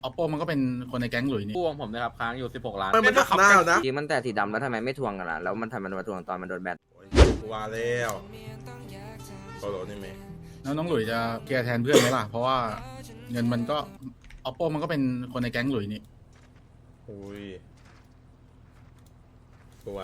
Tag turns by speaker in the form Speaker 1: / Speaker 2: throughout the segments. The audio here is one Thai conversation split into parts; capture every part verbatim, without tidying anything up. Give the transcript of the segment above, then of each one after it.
Speaker 1: oppo มันก็เป็นคนในแก๊งหลุยนี่
Speaker 2: กู้ของผมนะครับค้างอยู่สิบหกล้าน
Speaker 3: ไม่มันหักหน้านะ
Speaker 4: จริงมันแต่สีดำแล้วทำไมไม่ทวงกันล่ะแล้วมันทำไมมันมาทวงตอนมันโดนแบน
Speaker 3: กูว่าแล้วโซโลนี่ไหม
Speaker 1: แล้วน้องหลุยจะเคลียร์แทนเพื่อนไหมล่ะ เพราะว่าเงินมันก็ oppo มันก็เป็นคนในแก๊งหลุยนี่
Speaker 3: อุ้ยกูไหว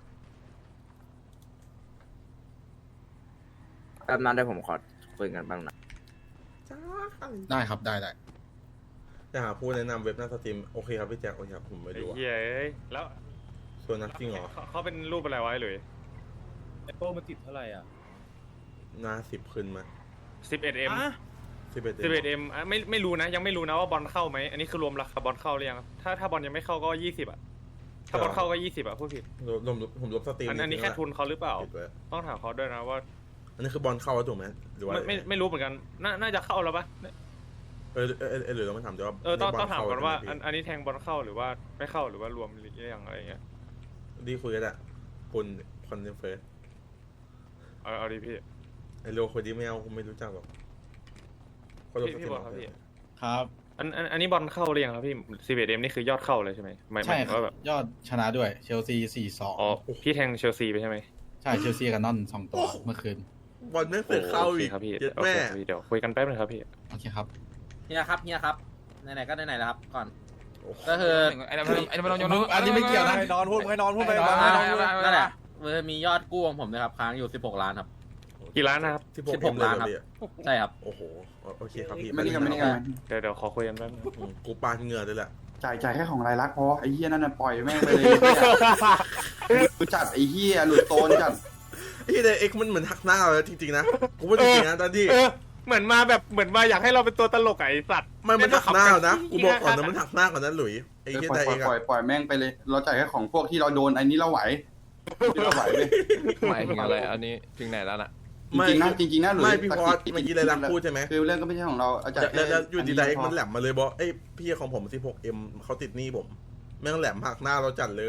Speaker 4: แป๊บนั้นได้ผมขอคุยกันบ้างนะ
Speaker 3: จ้า
Speaker 1: ได้ครับได้ได้
Speaker 3: จะหาผู้แนะนำเว็บหน้าสตรีมโอเคครับพี่แจ็คโอเคครับผมไม่
Speaker 5: ไอ้
Speaker 3: รู้อะ
Speaker 5: เหี้ยเอ้ยแล้ว
Speaker 3: ส่วนนักจริงเหรอ
Speaker 5: เขาเขาเป็นรูปอะไรไว้หรือ
Speaker 6: ไอโป้มันติดเท่าไหร่อ่ะ
Speaker 3: หน้าสิบขึ้นมา
Speaker 5: สิบเอ็ดเอ็ม
Speaker 3: สิบเอ็ด
Speaker 5: สิบเอ็ดเอ็มไม่ไม่รู้นะ ยังไม่รู้นะว่าบอลเข้าไหมอันนี้คือรวมราคาบอลเข้าหรือยังถ้าถ้าบอลยังไม่เข้าก็ยี่สิบอ่ะถ้าบอลเข้าก็ยี่สิบอ่ะพูดผิด
Speaker 3: รวมรวมผมรวมสตรีม
Speaker 5: อันอันนี้แค่ทุนเขาหรือเปล่า
Speaker 3: ผิดไว้
Speaker 5: ต้องถามเขาด้วยนะว่า
Speaker 3: อันนี้คือบอลเข้าแล้วถูกไหมหรือว่า
Speaker 5: ไม่ไม่ไม่รู้เหมือนกันน่าน่าจะเข้าแล้วปะ
Speaker 3: เออเออเออหรือเราไม่ถามจะว่า
Speaker 5: เออต้องต้องถาม
Speaker 3: บล
Speaker 5: ก่อนว่า
Speaker 3: เข้
Speaker 5: อันอันนี้แทงบอลเข้าหรือว่าไม่เข้าหรือว่ารวมหรือยังอะไรเงี้ย
Speaker 3: ดีคุยกันอะคุณคอนเฟอเรนซ์
Speaker 5: เอาเอาดีพี่
Speaker 3: ไอโลคนนี้ไม่เอาผมไม่รู้จักหรอกคนรวมสต
Speaker 5: พี่
Speaker 3: รีม
Speaker 5: บอลครับพี่
Speaker 1: ครับ
Speaker 5: อันอันอันนี้บอลเข้าหรือยังครับพี่สิบเอ็ดเอ็มนี่คือยอดเข้าเลยใช่ไหมหมายห
Speaker 1: ใช่
Speaker 5: มายถึง
Speaker 1: ครับ
Speaker 5: ว่าแบบ
Speaker 1: ยอดชนะด้วยเชลซีสี่สอง
Speaker 5: อ๋อพี่แทงเชลซีไปใช่ไหม
Speaker 1: ใช่เชลซีกับนอนสองตัวเมื่อคืน
Speaker 3: บอลไม่เคยเข้า
Speaker 5: โอเค
Speaker 3: อีก
Speaker 5: ครับพี่
Speaker 3: เจ็ด
Speaker 5: โอเค
Speaker 3: แม่
Speaker 5: ครับพี่เดี๋ยวคุยกันแป๊บนึงครับพี่
Speaker 1: โอเคครับ
Speaker 2: เฮียครับเฮียครับไหนๆก็ไหนๆแล้วครับก่อน
Speaker 3: โอ้โห
Speaker 2: ก็คือ
Speaker 7: ไอ้นั่นมันไอ้นั่นมันโยน
Speaker 1: อันนี้ไม่เกี่ยวนะ
Speaker 6: ให้นอนพูดให้นอนพูดไป
Speaker 1: ให้นอน
Speaker 6: ให้นอนพูด
Speaker 2: นั่นแหละเออมียอดกู้ของผมนะครับค้างอยู่สิบหกล้านครับ
Speaker 5: กี่ล้านนะครับ
Speaker 3: สิบหก
Speaker 2: สิบหกล้านครับ
Speaker 3: เอ็มเลยเหอ
Speaker 2: ใช่ครับ
Speaker 3: โอ้โหโอเคครับพี่
Speaker 8: ไม่นี่กันไม่นี่กัน
Speaker 5: เดี๋ยวเดี๋ยวขอคุยกันแป๊บนึง
Speaker 3: อืมกูปาดเหงื่อเลยแหละ
Speaker 8: จ่ายจ่ายแค่ของรายลักษณ์พอไอ้เหี้ยนั่นน่ะปล่อยแม่งไปเลยกูจัดไอ้เหี้ยหลุดโตนจัด
Speaker 3: ไอ้เด็กเอ็กซ์มันเหมือนหักหน้าเลยจริงๆนะกูพูดจริงๆนะตอนที่
Speaker 5: เออเหมือนมาแบบเหมือนมาอยากให้เราเป็นตัวตลกอะไอ้สัตว์
Speaker 3: มันมันหักหน้านะกูบอกก่อนนะมันหักหน้าก่อนนะหลุยไอ้
Speaker 8: เออ
Speaker 3: เหี้ย
Speaker 8: ปล่อย
Speaker 3: แต่
Speaker 8: ปล่
Speaker 3: เอ
Speaker 8: อย
Speaker 3: ก
Speaker 8: ปล่อ
Speaker 3: อะ
Speaker 8: ยปล่อยแม่งไปเลย เราจ่ายแค่ของพวกที่เราโดนอันนี้เราไหวที่เราไหวเลย
Speaker 7: หมายถึงอะไรอันนี้ถึงไหนแล้วน่ะ
Speaker 8: จริงๆนะจริงๆนะหลุย
Speaker 3: ไม่พี่พอส
Speaker 8: ตะกี้
Speaker 3: เมื่อกี้เลยรักพูดใช่ไหม
Speaker 8: คือเรื่องก็ไม่ใช่ของเราเอาจ่าย
Speaker 3: แล้ว
Speaker 8: แค่
Speaker 3: แล้วอยู่ดีๆ
Speaker 8: อั
Speaker 3: เอ็กซ์
Speaker 8: พ
Speaker 3: มันแหลมมาเลยบอกไอ้พี่ของผม สิบหกเอ็ม เขาติดหนี้ผม แม่งแหลมหักหน้าเราจัดเลย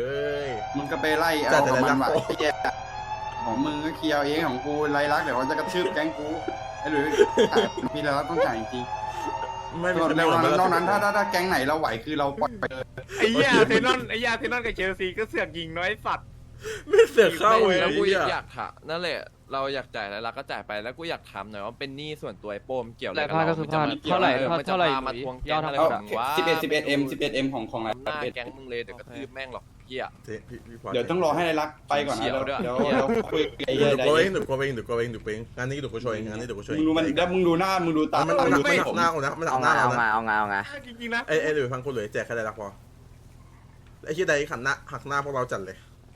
Speaker 8: มึงก็ไปไล่
Speaker 3: จ่า
Speaker 8: เอา
Speaker 3: ยแต่
Speaker 8: ของมัน
Speaker 3: รายลักษณ์
Speaker 8: ไหวไอ้เหี้ยของมึงก็เคลียร์เองของกูรายลักษณ์เดี๋ยวเขาจะกระชืบแก๊งกูไอ้หลุยจ่ายมีรายลักษณ์ต้องจ่ายจริง
Speaker 3: ไม่
Speaker 8: ๆ
Speaker 3: มี
Speaker 8: นอก
Speaker 3: คนแนะนำ
Speaker 8: นั้นนอกนั้นถ้าถ้าถ้าแก๊งไหนเราไหวคือเราปล่อยไปเลย
Speaker 5: ไอ้เหี้ยเทนนอนไอ้ยาเทนนอนกับเชลซีก็เสือกยิงน้อยสัตว์
Speaker 3: ไม่เสือกเข้าเลย
Speaker 7: แล้วกู
Speaker 3: ไอ้เหี้ย
Speaker 7: อยากถามนั่นแหละเราอยากจ่ายแล้วเราก็จ่ายไปแล้วกูอยากถามหน่อยว่าเป็นหนี้ส่วนตัวไอ้โป้มเกี่ยวอะไร
Speaker 9: แต่
Speaker 7: กับ
Speaker 9: พลาด
Speaker 7: เรา
Speaker 9: ก็คือ
Speaker 7: มันจะมา
Speaker 9: พลาดเท่าไหร่
Speaker 7: ออมันจะ
Speaker 9: เท่าไหร่
Speaker 7: พามาทวงแก๊งอะไร
Speaker 8: เอา
Speaker 7: ของวะ
Speaker 8: สิบเอ็ดสิบเอ็ดเอ็มสิบเอ็ดเอ็มของของราย
Speaker 7: หน้า
Speaker 8: ลักษณ์
Speaker 7: แก๊งมึงเลยเดี๋ยวกระทืบแม่งหรอกเหี้ย
Speaker 3: เจ๊พี่พี่พอส
Speaker 8: เดี๋ยวต้องรอให้รายลักษณ์ไปก่อนนะ
Speaker 7: เฉียวด้วย
Speaker 8: เดี๋ยวเดี๋ยวคุยไอ้
Speaker 3: เดี๋
Speaker 8: เหี้
Speaker 3: ย
Speaker 8: ยว
Speaker 3: กูเองเดี๋ยวกูเองเดี๋ยวกูเองเดี๋ยวกูเองงานนี้เดี๋ยวกูช่วยงานนี้เดี๋ยวกูช่วย
Speaker 8: มึงดูมันแล้วมึงดูหน้ามึงดูตา
Speaker 3: มัน
Speaker 8: มึ
Speaker 3: มัน
Speaker 8: ง
Speaker 3: หั
Speaker 8: ดู
Speaker 3: ก
Speaker 8: ไม่
Speaker 3: หั
Speaker 8: ผ
Speaker 3: ก
Speaker 8: ม
Speaker 3: หน้ากูนะมันหั
Speaker 4: เอา
Speaker 3: กห
Speaker 4: ไง
Speaker 3: น้า
Speaker 4: เอา
Speaker 3: เรา
Speaker 4: ไง
Speaker 3: นะ
Speaker 4: เอาไงเอาไง
Speaker 5: จริงๆนะ
Speaker 3: ไอ้ไอ้หลุยฟังกูหลุยแจกแค่ได้รักพอไอ้เหี้ยใดขันหน้าหักหน้าพวกเราจัดเลย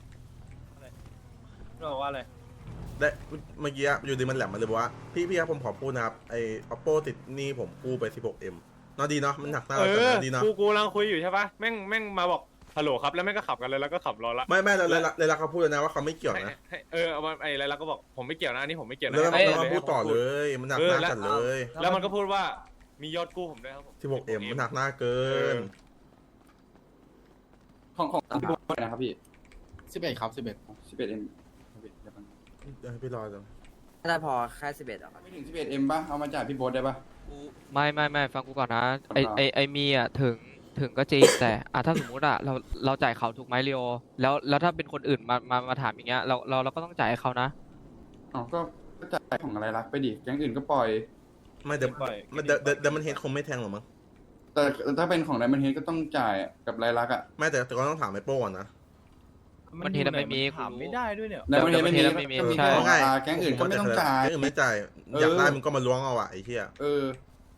Speaker 6: บอกว่าอะไร
Speaker 3: ได้เมื่อกี้อยู่ดีมันแหลมมาเลยบอกว่าพี่พี่ครับผมขอพูดนะครับไอ้ oppo ติดหนี้ผมกู้ไป สิบหกเอ็ม เนาะดีเนาะมันหักหน้า
Speaker 5: เอ
Speaker 3: เราจัด
Speaker 5: อ
Speaker 3: นะดีเนาะ
Speaker 5: กูกูกำลังคุยอยู่ใช่ปะแม่งแม่งมาบอกฮัลโหลครับแล้วแม่งก็ขับกันเลยแล้วก็ขับรอละ
Speaker 3: ไม่ไม่เลยเลยเขาพูดเลยนะว่าเขาไม่เกี่ยว
Speaker 5: ให้
Speaker 3: นะ
Speaker 5: ให้เออเอามาไอ้อะไรแล้วก็บอกผมไม่เกี่ยวนะอันนี้ผมไม่เกี่ยวนะ
Speaker 3: แล้วมัน
Speaker 5: ให้
Speaker 3: แล้ว
Speaker 5: ให้
Speaker 3: มันพูดต่อเลย มันหักหน้าจัดเลย
Speaker 5: แล้วมันก็พูดว่ามียอดกู้ผมด้วยครับผม
Speaker 3: สิบหกเอ็มมันหักหน้าเกิน
Speaker 8: ของของพี่โบ๊ทนะครับพี่
Speaker 1: สิบเอ็ดครับสิบเอ็ด
Speaker 8: สิบเอ็ดเอ็ม
Speaker 3: เดี๋ยวให้พี่รอจัง
Speaker 4: ถ้าพอแค่สิบเอ็ดอ่ะ
Speaker 8: ไม่ถึงสิบเอ็ดเอ็มป่ะเอามาจ่ายพี่โบ๊ทได้ป่ะ
Speaker 9: ไม่ไม่ไม่ฟังกูก่อนนะไอ
Speaker 8: ครับ
Speaker 9: ไอไอมีอ่ะถึงถึงก็จริง แต่อ่ะถ้าสมมุติอ่ะเราเราจ่ายเขาถูกไหมเรียวแล้วแล้วถ้าเป็นคนอื่นมามามาถามอย่างเงี้ยเราเราเราก็ต้องจ่ายให้เขานะ
Speaker 8: อ๋อก็ก็จ่ายของอะไรลักษณ์ไปดิแก๊งอื่นก็ปล่อย
Speaker 3: ไม่เดี๋ยวมันเดี๋ยวเดี๋ยวเดี๋ยวมันเฮดคงไม่แทงหรอกมั้ง
Speaker 8: แต่ถ้าเป็นของไดมันเฮดก็ต้องจ่ายกับรายลักษณ์อ่ะ
Speaker 3: ไม่แต่แต่ก็ต้องถามไอ้โป้ก่อนนะ
Speaker 9: มันเห็นแล้วไม่มี
Speaker 6: ถามไม่ได้ด้วยเนี่ย
Speaker 8: ไดมันเฮดไม่มี
Speaker 9: ไม่มี
Speaker 8: ก็มี
Speaker 9: ใช่
Speaker 8: แค่ของอาแก๊งอื่นก็ไม่ต้องจ่าย
Speaker 3: แก๊งอื่นไม่จ่าย
Speaker 8: เออ
Speaker 3: อยากได้มึงก็มาล้วงเอาอะไอ้เหี้ย
Speaker 8: เออ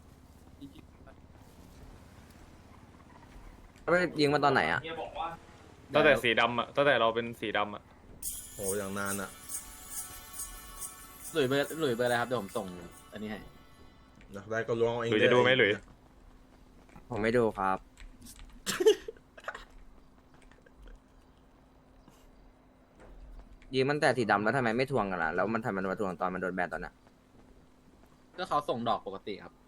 Speaker 4: ไม่ยิงมาตอนไหนอ่ะ
Speaker 5: ตั้งแต่สีดำอ่ะตั้งแต่เราเป็นสีดำอ่ะ
Speaker 3: โหอย่างนานอะ
Speaker 2: หลุยเบอร์หลุยเบอร์อะไรครับเดี๋ยวผมส่งอันนี้ให้
Speaker 3: อยากได้ก็ล้วงเอาเอง
Speaker 5: หรือจะดูไหมหรือ
Speaker 4: ผมไม่ดูครับ ยิงมันแต่สีดำแล้วทำไมไม่ทวงกันล่ะแล้วมันทำไมมันมาทวงตอนมันโดนแบนตอนนั้น
Speaker 2: ก็เขาส่งดอกปกติครับ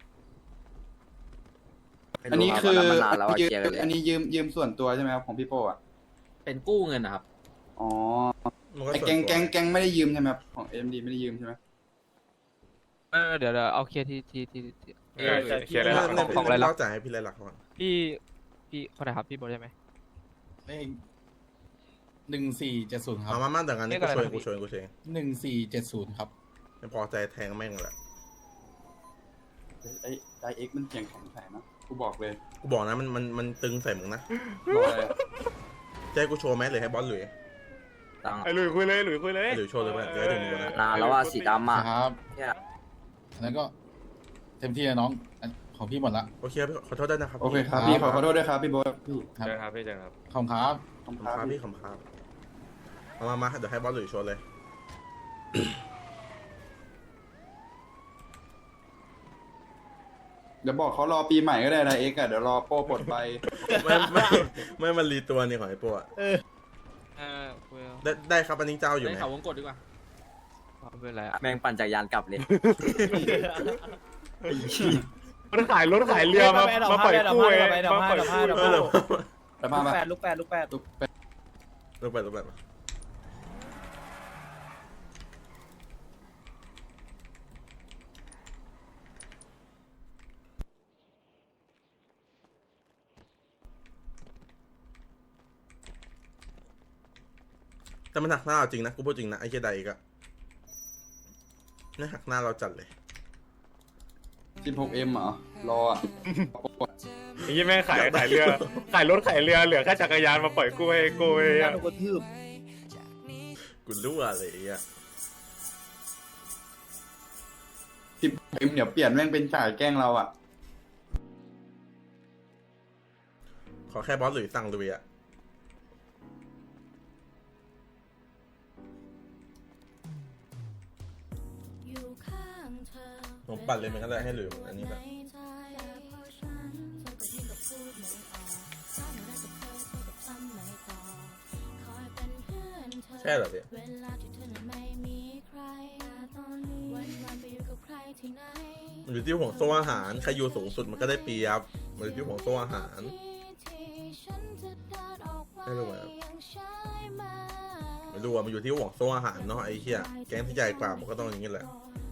Speaker 4: ไม่
Speaker 8: อัน
Speaker 4: รู้
Speaker 8: นี้
Speaker 4: รับ
Speaker 8: คือ
Speaker 4: วันนั้นมันนานแล้วอะ
Speaker 8: ยืม
Speaker 4: เคลียร์กันเลย
Speaker 8: อันนี้ยืมยืมส่วนตัวใช่ไหมครับของพี่โป้อ่ะ
Speaker 2: เป็นกู้เงินนะครับ
Speaker 8: อ๋อ
Speaker 3: มันก็
Speaker 8: ไอ้
Speaker 3: ส่วน
Speaker 8: แก๊ง
Speaker 3: ตัว
Speaker 8: แก๊งแก๊งไม่ได้ยืมใช่ไหมครับของเอ็มดีไม่ได้ยืมใช่ไหม
Speaker 9: เออเดี๋ยวเดี๋ยวเอาเคลียร์ที่ที่ที่ที่
Speaker 5: เออเคลียร์ได้
Speaker 3: เรื่
Speaker 5: แล้
Speaker 3: อ
Speaker 5: ว
Speaker 3: งเรื่อง
Speaker 9: ของอะไรล่ะ
Speaker 3: เล่าจ่ายให้พี่ไรหลักก่อน
Speaker 9: พี่พี่คนไหนครับพี่โบทใช่ไหม
Speaker 1: เลขหนึ่งสี่เจ็ดศูนย์ครับ
Speaker 3: มามามาแต่งงานนี้
Speaker 9: เรี
Speaker 3: กู
Speaker 9: ยก
Speaker 3: ช่
Speaker 9: อะไร
Speaker 3: วย
Speaker 9: นะ
Speaker 3: กูช่วยกูช่วย
Speaker 1: หนึ่งสี่เจ็ดศูนย์ครับ
Speaker 3: ไม่พอใจแทงแม่งแหละ
Speaker 8: ไอ้ไดเอ็กมันเสียงแข็งแข็งนะกูบอกเลย
Speaker 3: กูบอกนะมันมันมันตึงใส่มึงนะ
Speaker 8: รอเลย
Speaker 3: จะให้กูโชว์ไหมหรือให้บอสหลุย
Speaker 4: ตัง
Speaker 5: ไอ้หลุยคุยเลยหลุยคุยเลย
Speaker 3: หรือโชว์เลยเพื่อนจะได้ถึงกูนะ
Speaker 4: นานแล้วว่าสีดำอ่ะ
Speaker 1: ครับ
Speaker 4: เนี่ย
Speaker 1: แล้วก็เต็มที่นะน้องอันของพี่หมดละ
Speaker 3: โอเคพี่ขอโทษด้วยนะครับ
Speaker 8: โอเคครับพี่ขอขอโทษด้วยครับพี่โบ๊ทพี่
Speaker 1: ครับ
Speaker 5: เจอครับพี่เจอครับ
Speaker 1: ขอบคุณครับ
Speaker 8: ขอบคุณ
Speaker 3: ขอบ
Speaker 8: ค
Speaker 3: คุณ
Speaker 8: รั
Speaker 3: ครับ บพี่ขอบคุณครับมามามาเดี๋ยวให้บอสหลุยโชว์เลย
Speaker 8: เดี๋ยวบอกเขารอปีใหม่ก็ได้ไดเอ็กอะเดี๋ยวรอโป้ปลดไป
Speaker 3: ไม่ไม่ไม่มันรีตัวนี่ของไอ้โป้อะ
Speaker 9: เออคุยเอา
Speaker 3: ได้ได้ครับอันนี้เจ้าอยู่ไหม
Speaker 2: ได้ข่าววงกดดีกว่า
Speaker 9: ไม่เป็นไรอะ
Speaker 4: แม่งปั่นจักรยานกลับเลย
Speaker 5: มันขายรถขายเรือมามาปล่อยกู้เองมาปล่อยกู้
Speaker 3: เออเดี๋ยว
Speaker 8: แต่มา
Speaker 6: ลูก
Speaker 8: มา
Speaker 6: แปดลูกแปดลูกแปด
Speaker 8: ตุ๊กเป็ด
Speaker 3: ลงไปลงไปมาแต่มันหักหน้าเราจริงนะกูพูดจริงนะไอ้เจไดอีกอะนี่หักหน้าเราจัดเลย
Speaker 8: สิบหกเอ็มเหรอรออะ
Speaker 5: ไอ้ยี่แม่งขายขายเรือขายรถขายเรือเหลือแค่จักรยานมาปล่อยกู้ให้กู้เอง
Speaker 6: การกระทืบ
Speaker 3: กูรู้อะไรอ่ะ
Speaker 8: สิบเอ็มเดี๋ยวเปลี่ยนแม่งเป็นจ่ายแกล้งเราอะ
Speaker 3: ขอแค่บอสหรือสั่งลุยอ่ะผมปั่นเลยเหมือนกันเลยให้หรืออันนี้แบบใช่เหรอพี่มันอยู่ที่ห่วงโซ่อาหารใครอยู่สูงสุดมันก็ได้เปรียบมันอยู่ที่ห่วงโซ่อาหารไม่รู้ไหมไม่รู้ว่ามันอยู่ที่ห่วงโซ่อาหารเนาะไอ้เหี้ยแก๊งที่ใหญ่กว่ามันก็ต้องอย่างนี้แหละ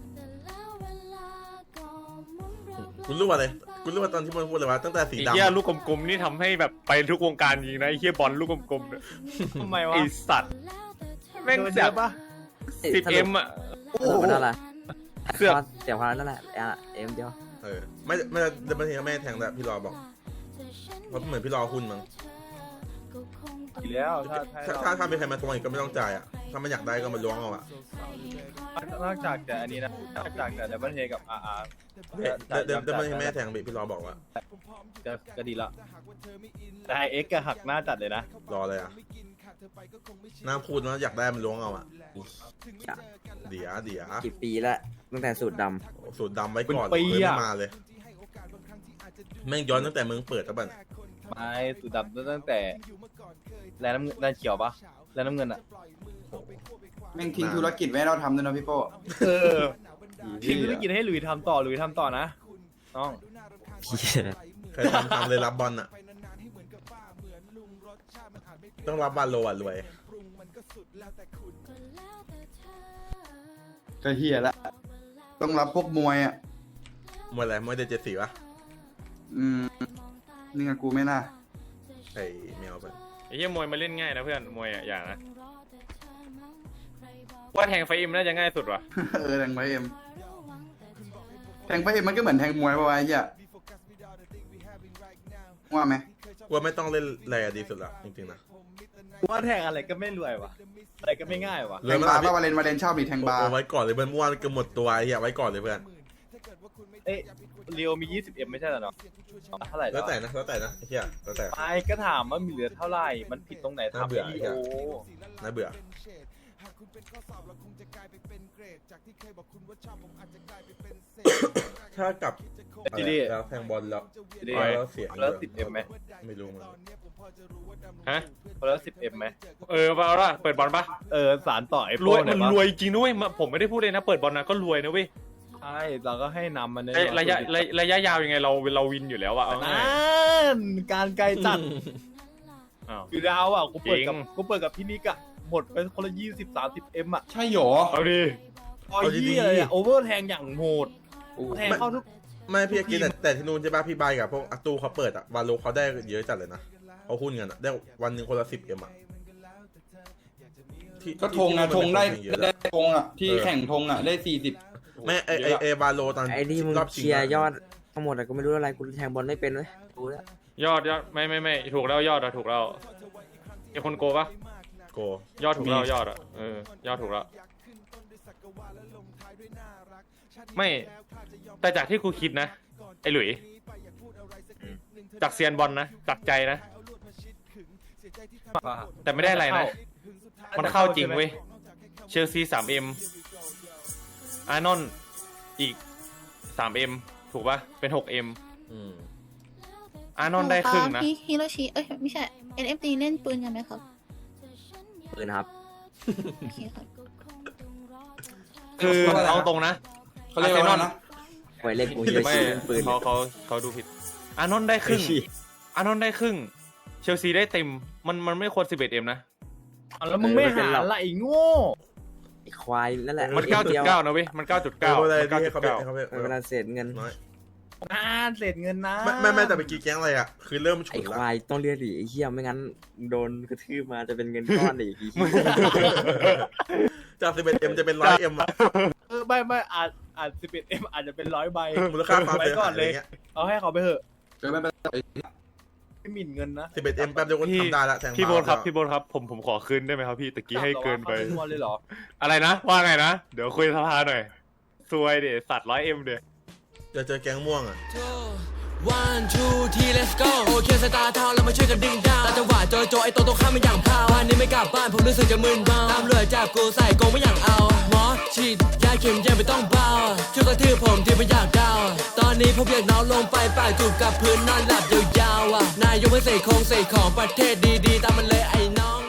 Speaker 3: คุณรู้ว่าอะไรคุณรู้ว่าตอนที่มันพูดเลยว่าตั้งแต่สี
Speaker 5: ไอ้
Speaker 3: ดำ
Speaker 5: เหี้ยลูกกลมๆนี่ทำให้แบบไปทุกวงการจริงนะไอ้เหี้ยบอลลูกกลมๆเนี่ย
Speaker 6: ทำไมวะ
Speaker 5: ไอ้สัตว์แม่ง
Speaker 6: โดน
Speaker 5: แบ
Speaker 6: เย
Speaker 5: บ
Speaker 6: อะปะ
Speaker 5: สิบเอ็มอ่ะ
Speaker 4: สรุปมันเท่าไหร่
Speaker 5: เสือก
Speaker 4: เสียความนั่นแหละอ่ะเอ็มเดียว
Speaker 3: เออไม่ไม่เดี๋ยวบางทีก็ไม่แทงแต่พี่รอบอกเพราะเหมือนพี่รอหุ้นมั้ง
Speaker 6: อีกแล้วถ้า
Speaker 3: ถ้าถ้าถ้ามีใครมาทวงอีกก็ไม่ต้องจ่ายอ่ะถ้ามันอยากได้ก็มาล้วงเอาอ่ะ
Speaker 6: นอกจากแต่อันนี้นะนอกจากแต่ดับเบิลเฮกับอาร์อาร์
Speaker 3: เดี๋ยวเดี๋ยวเดี๋ยวบางทีไม่แทงพี่พี่รอบอกว่า
Speaker 6: จะก็ดีละแต่เอ็กก็หักหน้าจัดเลยนะ
Speaker 3: รอเลยอ่ะน่าพูดนะอยากได้มันล้วงเอาอ่ะเดี๋ยวเดี๋ยว
Speaker 4: กี่ปีแล้วตั้งแต่สูตรด
Speaker 3: สูตรดำไว้ก่อนเลยไม่มาเลยแม่งย้อนตั้งแต่มึงเปิดแล้วบัด
Speaker 6: ไม่สุดดับตั้งแต่แลน้ำเงินแลเขียวปะแลน้ำเงินอ่ะ
Speaker 8: แม่งทิ้งธุรกิจไว้ให้เราทำด้วยนะพี่โป้
Speaker 6: เออทิ้งธุรกิจให้หลุยทำต่อหลุยทำต่อนะน้อง
Speaker 4: ำ
Speaker 3: ใครทำทำเลยรับบอลอ่ะต้องรับบอลโลอ่ะรวย
Speaker 8: ก็เฮียละต้องรับพวกมวยอะ
Speaker 3: มวยอะไรมวยเดเจ็ดสี่ปะ
Speaker 8: อืมนี่ไงกูไม่น่า
Speaker 3: ไอ้แมวไป
Speaker 5: ไอ้เหี้ยมวยมาเล่นง่ายนะเพื่อนมวยอ่ะอย่างนะว่าแทงไฟอิมน่าจะง่ายสุดว่ะ
Speaker 8: เออแทงไปเอ็มแทงไปเอ็มมันก็เหมือนแทงมวยปะวะไอ้เหี้ยว่าไหม
Speaker 3: ว่าไม่ต้องเล่นแรงดีสุดละจริงๆนะ
Speaker 6: ว่าแทงอะไรก็ไม่รวยวะอะไรก็ไม่ง่ายวะ
Speaker 8: แทงบาร์ป่ะวาเลนวาเลนชอบดิแทงบาร์
Speaker 3: เอาไว้ก่อนเลยเพื่อนเมื่อวานเกือบหมดตัวไอ้เหี้ยไว้ก่อนเลยเพื่อน
Speaker 6: เอ๊ะเรียวมียี่สิบเอ็มไม่ใช่เหรอเนาะเท่าไหร่
Speaker 3: แล้วแต่นะแล้วแต่นะไอ้เหี้ยแล้วแต่
Speaker 6: ไปก็ถามว่ามีเหลือเท่าไหร่มันผิดตรงไหน
Speaker 3: น่า
Speaker 6: ทำ
Speaker 3: เบื่อ
Speaker 6: อี
Speaker 3: ไอ้เหี้ย
Speaker 6: โอ
Speaker 3: น่าเบื่อ ถ้ากลับ
Speaker 6: จีดี
Speaker 3: แล้วแทงบอลแล้ว
Speaker 6: จีดี
Speaker 3: แล้วเสียง
Speaker 6: แล้วสิบเอ็มไหม
Speaker 3: ไม่รู้มัน
Speaker 5: ฮะ
Speaker 6: แล้วสิบเอ็มไหม
Speaker 5: เออเอาละเปิดบอลปะ
Speaker 6: เออสารต่อไอ้
Speaker 5: ร
Speaker 6: โป้
Speaker 5: วย
Speaker 6: หน่
Speaker 5: มั
Speaker 6: อน ยปะ
Speaker 5: รวยจริงด้วยผมไม่ได้พูดเลยนะเปิดบอลนะก็รวยนะเว้ย
Speaker 6: ใช่เราก็ให้นำมันเนี่ย
Speaker 5: ไอ้ระยะระยะระยะยาวยังไงเราเราวินอยู่แล้วอะเอาง่าย
Speaker 6: นั่นการไกลจัด
Speaker 5: อ้าว
Speaker 6: คือดาวอ่ะกูเปิดกับ
Speaker 5: จริง
Speaker 6: กูเปิดกับพี่นิกอะหมดไปคนละยี่สิบสามสิบเอ็มอะ
Speaker 8: ใช่หรอ
Speaker 5: เอาดิ
Speaker 6: พอยี่เลยอะโอเวอร์แทงอย่างโหดแทงเข้าทุก
Speaker 3: ไม่พี่กินแต่แต่ที่นู่นใช่ป่ะพี่บายกับพวกอาตูเขาเปิดอะวาโลเขาได้เยอะจัดเลยนะเขาหุ้นกันอะได้วันหนึ่งคนละสิบเอ็มอะที่
Speaker 8: ก็ธงอะ
Speaker 3: ที่
Speaker 8: ธงได้
Speaker 3: มันเป็นเยอะ
Speaker 8: ได้
Speaker 3: อะ
Speaker 8: ธงอะที่
Speaker 3: เออ
Speaker 8: แข่งธงอะได้สี่สิบ
Speaker 3: แม่ไอไอไอวาโลตอน
Speaker 4: ไอ้นี่มึง
Speaker 3: รอบชิ
Speaker 4: เคลียร์
Speaker 3: งะ
Speaker 4: ยอดทั้งหมดอะกูไม่รู้อะไรกูแทงบอลไม่เป็นเลยรู้แล้ว
Speaker 5: ยอดยอดไม่ไม่ไม่ถูกแล้วยอดอะถูกแล้วมีคนโกปะ
Speaker 3: โก
Speaker 5: ยอดถูกแล้วยอดอะเออยอดถูกแล้วไม่แต่จากที่กูคิดนะไอ้หลุยจากเซียนบอลนะจากใจนะ แต่ไม่ได้อะไรนะ มันเข้าจริงเว้ยเชลซีสามเอ็มอาร์นอนอีกสามเอ็มถูกปะเป็นหกเอ็ม
Speaker 3: อืม
Speaker 5: อาร์นอนได้ครึ่งนะ
Speaker 10: พี่ฮิโรชิเอ้ยไม่ใช่ เอ็น เอฟ ดี เล่นปืนกันไหมครับ
Speaker 4: ปืนครับ
Speaker 10: โอเคครับ
Speaker 5: คือเอาตรงนะ
Speaker 8: เขาเรียกว่าอะไรนะ
Speaker 4: ไว้เล่นกูฮิโร
Speaker 5: ไม่
Speaker 4: ชิเล่นปืน
Speaker 5: เขาเขาเขาดูผิด อาร์นอนได้ครึ่ง อาร์นอนได้ครึ่ง เชลซีได้เต็ม มันมันไม่ควรสิบเอ็ดเอ็มนะ
Speaker 6: แล้วมึงไม่หาละไอ้โง่
Speaker 4: ไอ้ควายนั่นแหละ
Speaker 5: มันเก้าจุดเก้านะเว้ย มันเก้าจุด
Speaker 3: เก้า
Speaker 5: เก้า
Speaker 3: อะไร
Speaker 5: มันเก้า
Speaker 3: ที่
Speaker 5: จุ
Speaker 3: ให้
Speaker 5: ด
Speaker 3: เขาไป
Speaker 5: เก้า
Speaker 3: ให้เขาไป
Speaker 4: เวลาเศษเงิน
Speaker 3: น้อย
Speaker 6: อ่าเศษเงินนะ
Speaker 3: ไม่ไม่ไม่แต่ไปกี่แก๊งอะไรอะคือเริ่มฉุ
Speaker 4: ไอ้
Speaker 3: น
Speaker 4: ค
Speaker 3: ละ
Speaker 4: วายต้องเรียกดิไอ้เหี้ยไม่งั้นโดนกระทืบมาจะเป็นเงินก้อนอีกที
Speaker 3: จากสิบเอ็ดเอ็มจะเป็นร้อยเอ็มอะ
Speaker 6: เออไม่ไม่อาจอาจสิบเอ็ดเอ็มอาจจะเป็นร้อยใบ
Speaker 3: มูลค่าความ
Speaker 6: ไว้
Speaker 3: เสีย
Speaker 6: ก่อ
Speaker 3: หาน ยอะ
Speaker 6: เล
Speaker 3: ไร
Speaker 6: ย
Speaker 3: เงี้ย
Speaker 6: เอาให้เขาไปเถอะ
Speaker 8: เจอไม่เป็นไร
Speaker 6: ไม่หมิ่นเงินนะ
Speaker 3: สิบเอ็ดเอ็มแป๊บเดียวก็ทำได้ละแทง
Speaker 5: พี่โบนครับ
Speaker 3: า
Speaker 5: พี่โบนครับ ผมผมขอคืนได้ไหมครับพี่ตะกี้ให้เกินไป
Speaker 6: สามร้อยเลยเหรอ
Speaker 5: อะไรนะ ว่าไงนะ เดี๋ยวคุยสภาหน่อยซวยเดี๋ยวสัตว์ร้อยเอ็มเดี๋ยว
Speaker 3: จะเจอแก๊งม่วงอะ
Speaker 11: one two three let's go โอเคสตาร์ทาวเรามาช่วยกันดึงดาวตาจังหวะโจโจไอตัวตรงข้ามมันอย่างพาววันนี้ไม่กลับบ้านผมรู้สึกจะมึนเมาตามเรือจับกูใส่กงไม่อยากเอาหมอฉีดยาเข็มยังไม่ต้องเบาช่วยกระทืบผมที่ไม่อยากดาวตอนนี้ผมอยากนอนลงไปปากจูบกับพื้นนอนหลับยาวๆอ่ะนายยกไม่ใส่คงใส่ของประเทศดีๆตามมันเลยไอ้น้อง